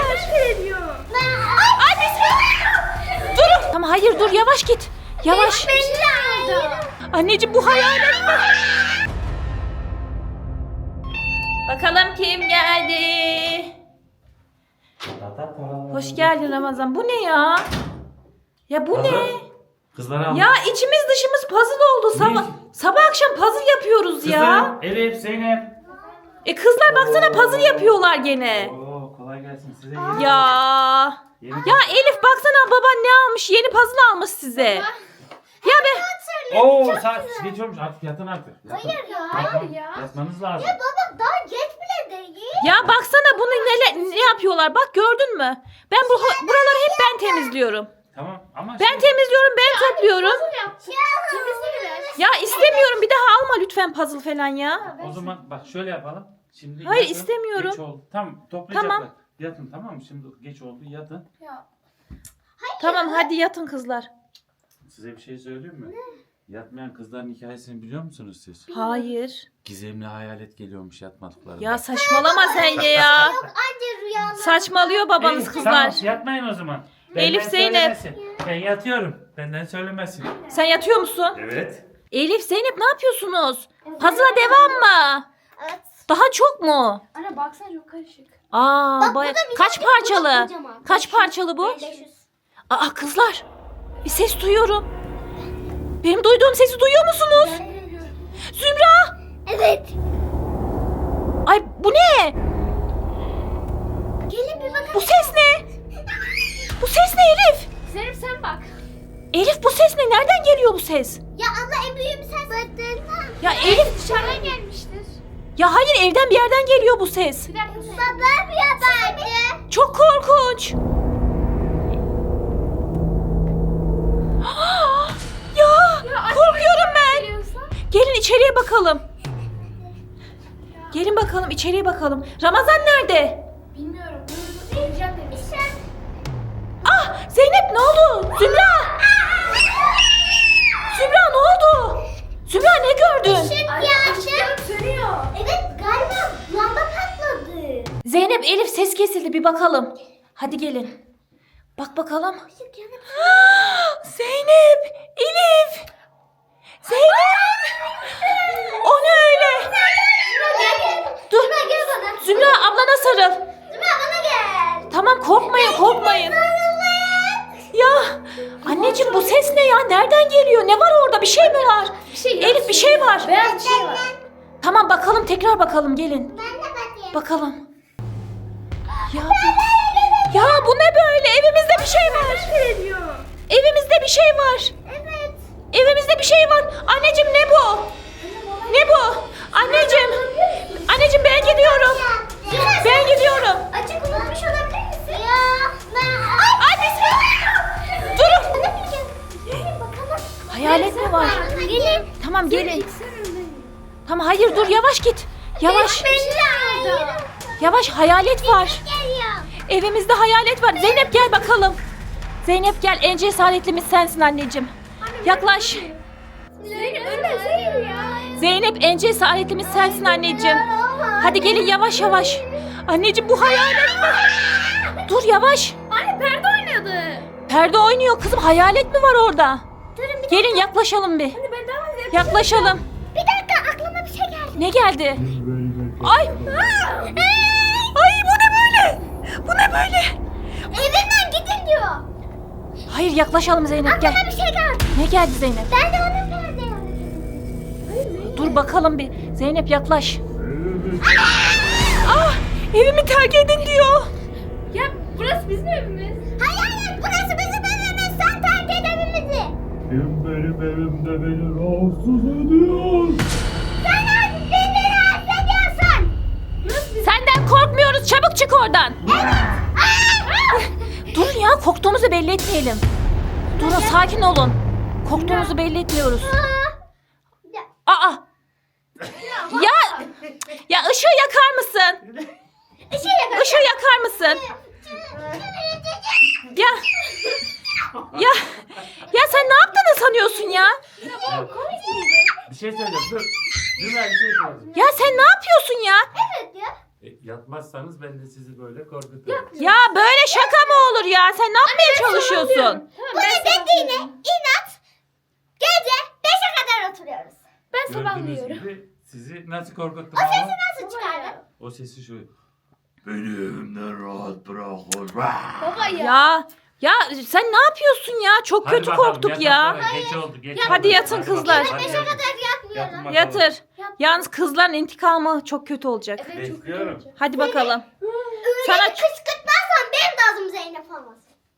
Ay bismillah. Dur. Tamam hayır dur yavaş git. Yavaş. Anneciğim bu hayalet mi? Bakalım kim geldi? Hoş geldin Ramazan. Bu ne ya? Ya bu ne? Kızlara Ya içimiz dışımız puzzle oldu. Sabah akşam puzzle yapıyoruz ya. Elif, Zeynep. Kızlar baksana puzzle yapıyorlar gene. Oo, kolay gelsin size. Ya. Ya Elif baksana baban ne almış? Yeni puzzle almış size. Ya be. Oo, saat geç olmuş artık yatın artık. Yatın. Hayır ya. Yatmanız lazım. Ya baba daha geç bile değil. Ya baksana bunu ne yapıyorlar? Bak gördün mü? Ben buraları hep ben temizliyorum. Tamam ama Ben temizliyorum, ben topluyorum. Temizle Ya istemiyorum. Bir daha alma lütfen puzzle falan ya. o zaman bak şöyle yapalım. Şimdi Hayır, yatın, istemiyorum. Geç oldu. Tamam toplayacaklar. Tamam. Yatın tamam mı? Şimdi geç oldu yatın. Tamam hadi yatın kızlar. Size bir şey söyleyeyim mi? Yatmayan kızların hikayesini biliyor musunuz siz? Hayır. Gizemli hayalet geliyormuş yatmadıklarında. Ya saçmalama sen de ya. Anca rüyalar. Saçmalıyor babanız Elif, kızlar. Tamam yatmayın o zaman. Elif, Zeynep. söylemesin. Ben yatıyorum. Benden söylemesin. Sen yatıyor musun? Evet. Elif, Zeynep ne yapıyorsunuz? Puzzle'a devam mı? Evet. Daha çok mu? Anne baksana çok karışık. Aa, Bak, baya... bu da bir Kaç tane, parçalı? bu da kocaman. Kaç parçalı bu? 500. Aa kızlar. Bir ses duyuyorum. Benim duyduğum sesi duyuyor musunuz? Zümra! Evet. Ay bu ne? Gelin bir bakın. Bu ses ne? Bu ses ne Elif? Zeynep sen bak. Elif bu ses ne? Nereden geliyor bu ses? Ya abla en büyüğüm sen zaten. Ya Elif... Dışarıdan gelmiştir. Ya hayır evden bir yerden geliyor bu ses. Bir dakika. Babam yapardı. Çok korkunç. Ya korkuyorum ben. Gelin içeriye bakalım. Gelin bakalım içeriye bakalım. Ramazan nerede? Bilmiyorum. Geleceğim demiş. Ah Zeynep ne oldu? Zümra. Zümra ne oldu? Zümra ne gördün? Işık sönüyor. Evet galiba lamba patladı. Zeynep Elif ses kesildi bir bakalım. Hadi gelin. Bak bakalım. Işık yanıp. Zeynep, Elif. Zeynep. O ne öyle? Dur. Zümra gel bana. Zümra ablana sarıl. Zümra bana gel. Tamam korkmayın korkmayın. Ya anneciğim bu ses ne ya? Nereden geliyor? Ne var orada? Bir şey mi var? Elif bir şey var. Beyaz bir şey var. Tamam bakalım tekrar bakalım gelin. Ben de bakayım. Bakalım. Ya bu ne böyle? Evimizde bir şey var. Evimizde bir şey var. Evet. Evimizde bir şey var. Anneciğim ne bu? Ne bu? Anneciğim. Anneciğim ben gidiyorum. Ben gidiyorum. Açık unutmuş olabilir misin? Ya. Ay bismillah. Durun. Gelin bakalım. Hayalet mi var? Gelin. Tamam gelin. Tamam hayır dur yavaş git. Yavaş. Yavaş hayalet var. Geliyor. Evimizde hayalet var. Zeynep gel bakalım. Zeynep gel en cesaretlimiz sensin anneciğim. Yaklaş. Zeynep ölmesin ya. Zeynep en cesaretlimiz sensin anneciğim. Hadi gelin yavaş yavaş. Anneciğim bu hayalet mi? Dur yavaş. Anne perde oynadı. Perde oynuyor kızım. Hayalet mi var orada? Gelin yaklaşalım bir. Ben devam edeyim. Yaklaşalım. Bir dakika aklıma bir şey geldi. Ne geldi? Ay. Ay bu ne böyle? Bu ne böyle? Evimden gidin diyor. Hayır yaklaşalım Zeynep gel. Aklıma bir şey geldi. Ne geldi Zeynep? Ben de onun perde yaptım. Dur bakalım bir. Zeynep yaklaş. Ah evimi terk edin diyor. Ya burası bizim evimiz. Hayır burası bizim evimiz. Sen terk et evimizi. Kim benim evimde beni rahatsız ediyor? Sen artık beni rahatsız ediyorsun. Burası bizim. Senden korkmuyoruz. Çabuk çık oradan. Durun ya korktuğumuzu belli etmeyelim. Durun sakin olun. Korktuğumuzu belli etmiyoruz. Aa. Ya ışığı yakar mısın? Işığı yakar mısın? Ya. Ya sen ne yaptığını sanıyorsun ya? Bir şey söyleyeceğim dur. Dur ben bir şey söyleyeceğim. Ya sen ne yapıyorsun ya? Evet ya. yatmazsanız ben de sizi böyle korkuturum. Ya böyle şaka mı olur ya? Sen ne yapmaya çalışıyorsun? Bunu dediğine inat. Gece 5'e kadar oturuyoruz. Ben Gördüğünüz sabahlıyorum. gibi sizi nasıl korkuttum O sesi ama? nasıl çıkardın? O sesi şu. Beni evimden rahat bırakın. Baba Ya sen ne yapıyorsun ya? Çok Hadi kötü bakalım, korktuk yatın ya. sonra. Geç oldu. Geç Hadi oldu. yatın bakalım, kızlar. hadi 5'e yatın. kadar yatmıyorum. Yatın bakalım. Yatır. Yalnız kızların intikamı çok kötü olacak. Evet, çok Bekliyorum. kötü. Hadi bakalım. Öyle Sana- kışkırtmazsan benim de adım Zeynep olmaz.